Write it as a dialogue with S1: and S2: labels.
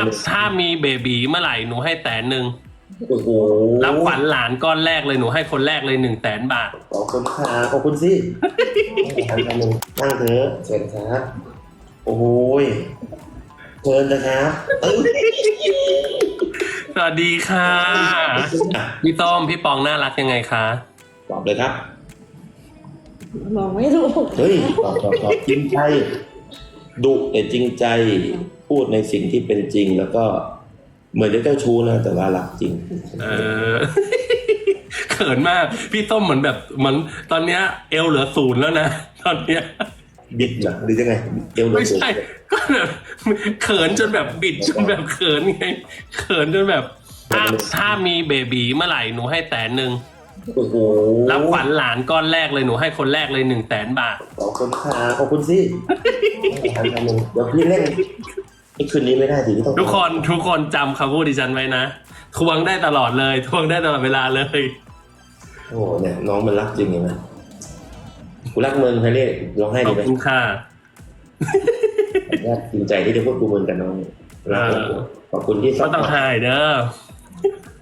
S1: ถ้ามีเบบีเมื่อไหร่หนูให้100,000
S2: โอ้โห
S1: รับขวัญหลานก้อนแรกเลยหนูให้คนแรกเลย100,000 บาท
S2: ขอบคุณค่ะขอบคุณสินั่งเถอะเชิญครับโอ้โหเชิญนะครับเอ้ย
S1: สวัสดีค่ะพี่ต้อมพี่ปองน่ารักยังไงคะ
S2: ตอบเลยครับ
S3: มองไม่รู้
S2: เฮ้ยตอบจริงใจดุแต่จริงใจพูดในสิ่งที่เป็นจริงแล้วก็เหมือนจะเจ้าชู้นะแต่ว่ารักจริง
S1: เขินมากพี่ต้มเหมือนแบบเหมือนตอนเนี้ยเอวเหลือ0แล้วนะตอนเนี้ย
S2: บิดเหรอหรือยังไงเอวเหลือ
S1: ไม่ใช่ก็แบบเขินจนแบบบิดจนแบบเขินไงเขินจนแบบถ้ามีเบบีเมื่อไหร่หนูให้100,000
S2: โอ้โห
S1: รับขวัญหลานก้อนแรกเลยหนูให้คนแรกเลย100,000 บาท
S2: ขอบคุณค่ะขอบคุณสิเดี๋ยวพี่เล่นไอ้คืนนี้ไม่ได้ดิพี่ต้อง
S1: ทุกคนจำคำพูดดิฉันไว้นะทวงได้ตลอดเลยทวงได้ตลอดเวลาเลย
S2: โอ้โหเนี่ยน้องมันรักจริงเห็นไหมกูรักมึงใครเรียกร้องไห้
S1: ข
S2: ดี
S1: อบ
S2: ไหม
S1: คุณค่ะ
S2: จริงใจที่ได้พูดกูมึงกับน้องรักขอบคุณที่
S1: ก็ต้องหายเด้อ